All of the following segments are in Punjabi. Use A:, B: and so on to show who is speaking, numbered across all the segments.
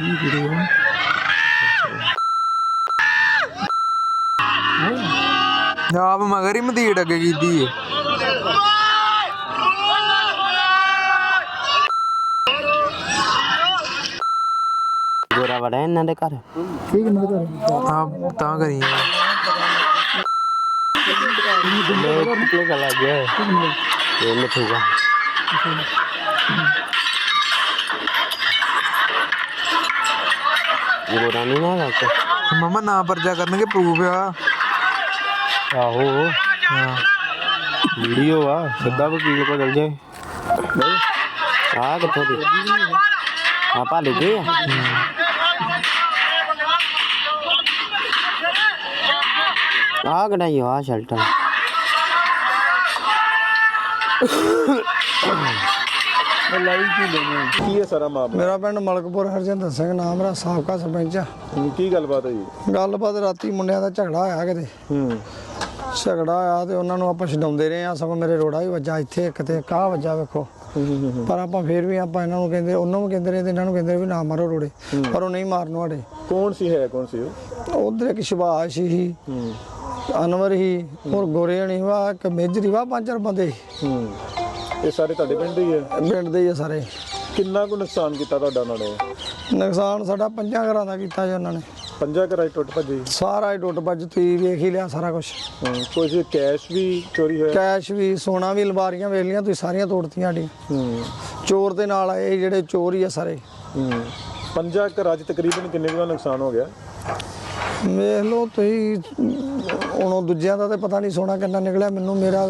A: ਆਪ ਮਗਰ ਹੀ ਮਦੀੜ ਅੱਗੇ ਕੀਤੀ ਹੈ।
B: ਗੋਰਾ ਵੜਾ ਇਹਨਾਂ ਦੇ ਘਰ
A: ਆਪ ਤਾਂ ਕਰੀ
B: ਕਿੱਥੇ ਚਲਾ ਗਿਆ ਇਹ ਮਿੱਠੂਗਾ ਗੋਰਾ ਨਹੀਂ ਨਾ ਲੱਗਦਾ
A: ਮਮਾ ਨਾ ਪਰਚਾ ਕਰਨਗੇ ਪ੍ਰੂਫ ਆ।
B: ਆਹੋ
A: ਹਾਂ
B: ਵੀਡੀਓ ਆ ਸਿੱਧਾ ਵਕੀਲ ਕੋਲ ਚਲ ਜਾਏ ਆ ਕਿੱਥੋਂ ਦੀ ਆਪਾਂ ਲੈ ਗਏ ਆ ਕਢਾਈ ਆ ਸ਼ਲਟਰ
C: ਕੀ ਹੈ ਸਾਰਾ ਮਾਮਲਾ?
D: ਮੇਰਾ ਪਿੰਡ ਮਲਕਪੁਰ ਹਰਜਿੰਦਰ ਸਿੰਘ ਨਾਮ ਮੇਰਾ ਸਾਬਕਾ ਸਰਪੰਚ ਆ।
C: ਕੀ ਗੱਲਬਾਤ ਹੋਈ?
D: ਗੱਲਬਾਤ ਰਾਤੀ ਮੁੰਡਿਆਂ ਦਾ ਝਗੜਾ ਹੋਇਆ ਕਿਤੇ ਝਗੜਾ ਹੋਇਆ ਤੇ ਉਹਨਾਂ ਨੂੰ ਆਪਾਂ ਛਡਾਉਂਦੇ ਰਹੇ ਆ। ਸਗੋਂ ਮੇਰੇ ਰੋੜਾ ਵੀ ਵੱਜਾ ਇੱਥੇ ਇੱਕ ਤੇ ਕਾਹ ਵੱਜਾ ਵੇਖੋ। ਪਰ ਆਪਾਂ ਫੇਰ ਵੀ ਆਪਾਂ ਇਹਨਾਂ ਨੂੰ ਕਹਿੰਦੇ ਉਹਨਾਂ ਨੂੰ ਕਹਿੰਦੇ ਰਹੇ ਤੇ ਇਹਨਾਂ ਨੂੰ ਕਹਿੰਦੇ ਵੀ ਨਾ ਮਾਰੋ ਰੋੜੇ ਪਰ ਉਹ ਨਹੀਂ ਮਾਰਨ ਵਾਲੇ।
C: ਕੌਣ ਸੀ ਕੌਣ ਸੀ ਉਹ?
D: ਉਧਰ ਇੱਕ ਸ਼ਿਵਾਸ਼ ਸੀ ਅਨਵਰ ਹੀ ਹੋਰ ਗੋਰੇ ਹਣੀ ਵਾ ਇੱਕ ਮੇਜਰੀ ਵਾ 5-4 ਬੰਦੇ
C: ਇਹ ਸਾਰੇ ਤੁਹਾਡੇ ਪਿੰਡ ਦੇ ਹੀ ਹੈ?
D: ਪਿੰਡ ਦੇ ਹੀ ਆ ਸਾਰੇ।
C: ਕਿੰਨਾ ਕੁ ਨੁਕਸਾਨ ਕੀਤਾ ਤੁਹਾਡਾ ਉਹਨਾਂ ਨੇ?
D: ਨੁਕਸਾਨ ਸਾਡਾ 5 ਘਰਾਂ ਦਾ ਕੀਤਾ ਜੀ ਉਹਨਾਂ ਨੇ।
C: 5 ਘਰਾਂ 'ਚ ਟੁੱਟ ਭੱਜੀ?
D: ਸਾਰਾ ਹੀ ਟੁੱਟ ਭੱਜ ਤੁਸੀਂ ਵੇਖ ਹੀ ਲਿਆ ਸਾਰਾ ਕੁਝ।
C: ਕੁਝ ਕੈਸ਼ ਵੀ ਚੋਰੀ ਹੋਇਆ?
D: ਕੈਸ਼ ਵੀ ਸੋਨਾ ਵੀ ਅਲਮਾਰੀਆਂ ਵੇਖ ਲੀਆਂ ਤੁਸੀਂ ਸਾਰੀਆਂ ਤੋੜਤੀਆਂ ਸਾਡੀਆਂ। ਚੋਰ ਦੇ ਨਾਲ ਆਏ ਜਿਹੜੇ ਚੋਰ ਹੀ ਆ ਸਾਰੇ।
C: 5 ਘਰਾਂ 'ਚ ਤਕਰੀਬਨ ਕਿੰਨੇ ਕੁ ਦਾ ਨੁਕਸਾਨ ਹੋ ਗਿਆ?
D: ਵੇਖ ਲਓ ਤੁਸੀਂ ਹੁਣ ਉਹ ਦੂਜਿਆਂ ਦਾ ਤੇ ਪਤਾ ਨਹੀਂ ਸੋਨਾ ਕਿੰਨਾ ਨਿਕਲਿਆ। ਮੈਨੂੰ ਮੇਰਾ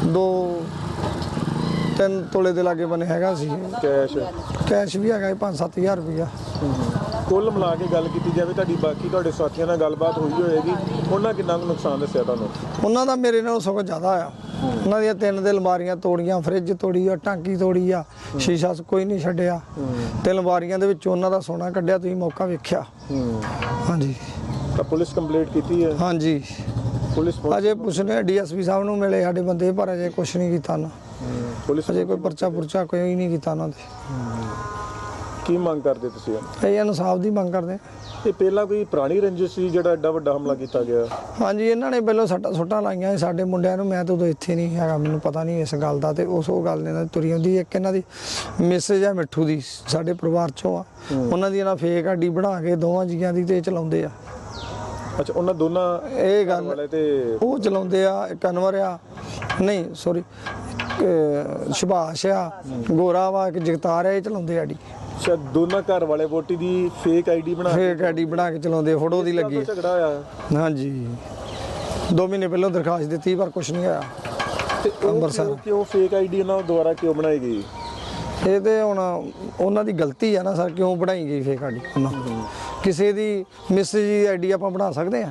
D: 2-3 ਤੋਲੇ ਦੇ ਲਾਗੇ ਬਣੇ ਹੈਗਾ ਸੀ ਕੈਸ਼ ਵੀ ਹੈਗਾ 5-7 ਹਜ਼ਾਰ ਰੁਪਇਆ।
C: ਕੁੱਲ ਮਿਲਾ ਕੇ ਗੱਲ ਕੀਤੀ ਜਾਵੇ ਤੁਹਾਡੀ ਬਾਕੀ ਤੁਹਾਡੇ ਸਾਥੀਆਂ ਨਾਲ ਗੱਲਬਾਤ ਹੋਈ ਹੋਏਗੀ, ਉਹਨਾਂ ਕਿੰਨਾ ਕੁ ਨੁਕਸਾਨ ਦੱਸਿਆ ਤੁਹਾਨੂੰ?
D: ਉਹਨਾਂ ਦਾ ਮੇਰੇ ਨਾਲੋਂ ਸਗੋਂ ਜ਼ਿਆਦਾ ਆ। ਉਹਨਾਂ ਦੀਆਂ 3 ਦੇ ਅਲਮਾਰੀਆਂ ਤੋੜੀਆਂ, ਫਰਿੱਜ ਤੋੜੀ ਆ, ਟਾਂਕੀ ਤੋੜੀ ਆ, ਸ਼ੀਸ਼ਾ ਕੋਈ ਨਹੀਂ ਛੱਡਿਆ ਤੇ ਅਲਮਾਰੀਆਂ ਦੇ ਵਿੱਚ ਉਹਨਾਂ ਦਾ ਸੋਨਾ ਕੱਢਿਆ। ਤੁਸੀਂ ਮੌਕਾ ਵੇਖਿਆ? ਹਾਂਜੀ।
C: ਤਾਂ ਪੁਲਿਸ ਕੰਪਲੇਂਟ ਕੀਤੀ ਹੈ?
D: ਹਾਂਜੀ
C: ਪੁਲਿਸ
D: ਅਜੇ ਪੁੱਛਨੇ ਡੀਐਸਪੀ ਸਾਹਿਬ ਨੂੰ ਮਿਲੇ ਸਾਡੇ ਬੰਦੇ ਪਰ ਅਜੇ ਕੁਛ ਨਹੀਂ ਕੀਤਾ ਨਾ।
C: ਪੁਲਿਸ
D: ਅਜੇ ਕੋਈ ਪਰਚਾ ਪੁਰਚਾ ਕੋਈ ਨਹੀਂ ਕੀਤਾ ਉਹਨਾਂ ਦੇ।
C: ਕੀ ਮੰਗ ਕਰਦੇ ਤੁਸੀਂ?
D: ਇਹ ਇਨਸਾਫ ਦੀ ਮੰਗ ਕਰਦੇ।
C: ਇਹ ਪਹਿਲਾਂ ਕੋਈ ਪੁਰਾਣੀ ਰੰਜਿਸ਼ ਸੀ ਜਿਹੜਾ ਐਡਾ ਵੱਡਾ ਹਮਲਾ ਕੀਤਾ ਗਿਆ?
D: ਹਾਂਜੀ ਇਹਨਾਂ ਨੇ ਪਹਿਲਾਂ ਸੁੱਟਾਂ ਲਾਈਆਂ ਸਾਡੇ ਮੁੰਡਿਆਂ ਨੂੰ। ਮੈਂ ਤਾਂ ਉਦੋਂ ਇੱਥੇ ਨਹੀਂ ਹੈਗਾ, ਮੈਨੂੰ ਪਤਾ ਨਹੀਂ ਇਸ ਗੱਲ ਦਾ। ਤੇ ਉਹ ਗੱਲ ਨੇ ਤੁਰੀ ਆਉਂਦੀ। ਇੱਕ ਇਹਨਾਂ ਦੀ ਮੈਸੇਜ ਆ ਮਿੱਠੂ ਦੀ ਸਾਡੇ ਪਰਿਵਾਰ ਚੋਂ ਆ। ਉਹਨਾਂ ਦੀ ਇਹਨਾਂ ਫੇਕ ਆਈਡੀ ਬਣਾ ਕੇ ਦੋਵਾਂ ਜੀਆਂ ਦੀ ਤੇ ਚਲਾਉਂਦੇ ਆ।
C: ਅੱਛਾ ਉਹਨਾਂ ਦੋਨਾਂ
D: ਇਹ ਗੱਲ
C: ਵਾਲੇ ਤੇ
D: ਉਹ ਚਲਾਉਂਦੇ ਆ। ਇੱਕ ਅਨਵਰ ਆ ਨਹੀਂ ਸੌਰੀ ਸ਼ਿਭਾਸ਼ ਆ, ਗੋਰਾ ਵਾ, ਇੱਕ ਜਗਤਾਰ ਆ, ਇਹ ਚਲਾਉਂਦੇ ਆਡੀ।
C: ਅੱਛਾ ਦੋਨਾਂ ਘਰ ਵਾਲੇ ਵੋਟੀ ਦੀ ਫੇਕ ਆਈਡੀ ਬਣਾ
D: ਕੇ ਚਲਾਉਂਦੇ। ਫੋਟੋ ਦੀ ਲੱਗੀ
C: ਝਗੜਾ ਹੋਇਆ?
D: ਹਾਂਜੀ 2 ਮਹੀਨੇ ਪਹਿਲਾਂ ਦਰਖਾਸਤ ਦਿੱਤੀ ਪਰ ਕੁਛ ਨਹੀਂ ਆਇਆ।
C: ਤੇ
D: ਅੰਮ੍ਰਿਤਸਰ
C: ਕਿਉਂ ਫੇਕ ਆਈਡੀ ਉਹਨਾਂ ਦੁਆਰਾ ਕਿਉਂ ਬਣਾਈ ਗਈ?
D: ਇਹ ਤੇ ਹੁਣ ਉਹਨਾਂ ਦੀ ਗਲਤੀ ਆ ਨਾ ਸਰ। ਕਿਉਂ ਬਣਾਈ ਗਈ ਫੇਕ ਆਈਡੀ? ਕਿਸੇ ਦੀ ਮੈਸੇਜ ਦੀ ਆਈਡੀ ਆਪਾਂ ਬਣਾ ਸਕਦੇ ਆ?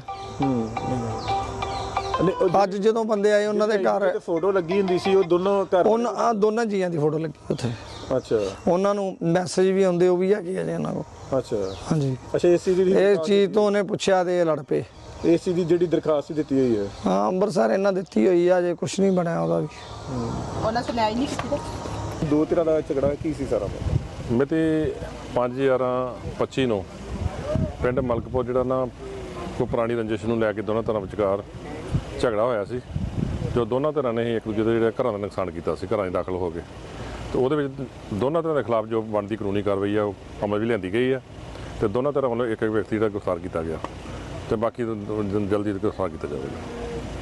D: ਅੱਜ ਜਦੋਂ ਬੰਦੇ ਆਏ ਉਹਨਾਂ ਦੇ ਘਰ
C: ਫੋਟੋ ਲੱਗੀ ਹੁੰਦੀ ਸੀ, ਉਹ ਦੋਨੋਂ ਘਰ
D: ਉਹਨਾਂ ਦੋਨਾਂ ਜੀਆਂ ਦੀ ਫੋਟੋ ਲੱਗੀ ਉੱਥੇ।
C: ਅੱਛਾ
D: ਉਹਨਾਂ ਨੂੰ ਮੈਸੇਜ ਵੀ ਆਉਂਦੇ, ਉਹ ਵੀ ਹੈਗੇ ਅਜੇ ਉਹਨਾਂ ਕੋਲ।
C: ਅੱਛਾ
D: ਹਾਂਜੀ।
C: ਅੱਛਾ ਏਸੀ ਦੀ
D: ਇਹ ਚੀਜ਼ ਤੋਂ ਉਹਨੇ ਪੁੱਛਿਆ ਤੇ ਇਹ ਲੜ ਪਏ।
C: ਏਸੀ ਦੀ ਜਿਹੜੀ ਦਰਖਾਸਤ ਦਿੱਤੀ ਹੋਈ ਹੈ?
D: ਹਾਂ ਅੰਮ੍ਰਿਤਸਰ ਇਹਨਾਂ ਦਿੱਤੀ ਹੋਈ ਆ, ਅਜੇ ਕੁਛ ਨਹੀਂ ਬਣਿਆ ਉਹਦਾ ਵੀ।
E: ਉਹਨਾਂ ਸੁਣਾਈ ਨਹੀਂ ਕੀਤੀ।
C: ਦੋ ਧਿਰਾਂ ਦਾ ਝਗੜਾ ਕੀ ਸੀ ਸਾਰਾ?
F: ਮਿਤੀ 5/11/25 ਨੂੰ ਪਿੰਡ ਮਲਕਪੁਰ ਜਿਹੜਾ ਨਾ ਕੋਈ ਪੁਰਾਣੀ ਰੰਜਿਸ਼ ਨੂੰ ਲੈ ਕੇ ਦੋਨਾਂ ਧਿਰਾਂ ਵਿਚਕਾਰ ਝਗੜਾ ਹੋਇਆ ਸੀ। ਜੋ ਦੋਨਾਂ ਧਿਰਾਂ ਨੇ ਇੱਕ ਦੂਜੇ ਦੇ ਜਿਹੜੇ ਘਰਾਂ ਦਾ ਨੁਕਸਾਨ ਕੀਤਾ ਸੀ, ਘਰਾਂ 'ਚ ਦਾਖਲ ਹੋ ਕੇ। ਤੇ ਉਹਦੇ ਵਿੱਚ ਦੋਨਾਂ ਧਿਰਾਂ ਦੇ ਖਿਲਾਫ ਜੋ ਬਣਦੀ ਕਾਨੂੰਨੀ ਕਾਰਵਾਈ ਆ ਉਹ ਅਮਲ ਵੀ ਲਿਆਂਦੀ ਗਈ ਆ ਤੇ ਦੋਨਾਂ ਧਿਰਾਂ ਵੱਲੋਂ ਇੱਕ ਵਿਅਕਤੀ ਦਾ ਗ੍ਰਿਫਤਾਰ ਕੀਤਾ ਗਿਆ ਤੇ ਬਾਕੀ ਜਲਦੀ ਗ੍ਰਿਫਤਾਰ ਕੀਤਾ ਜਾਵੇਗਾ।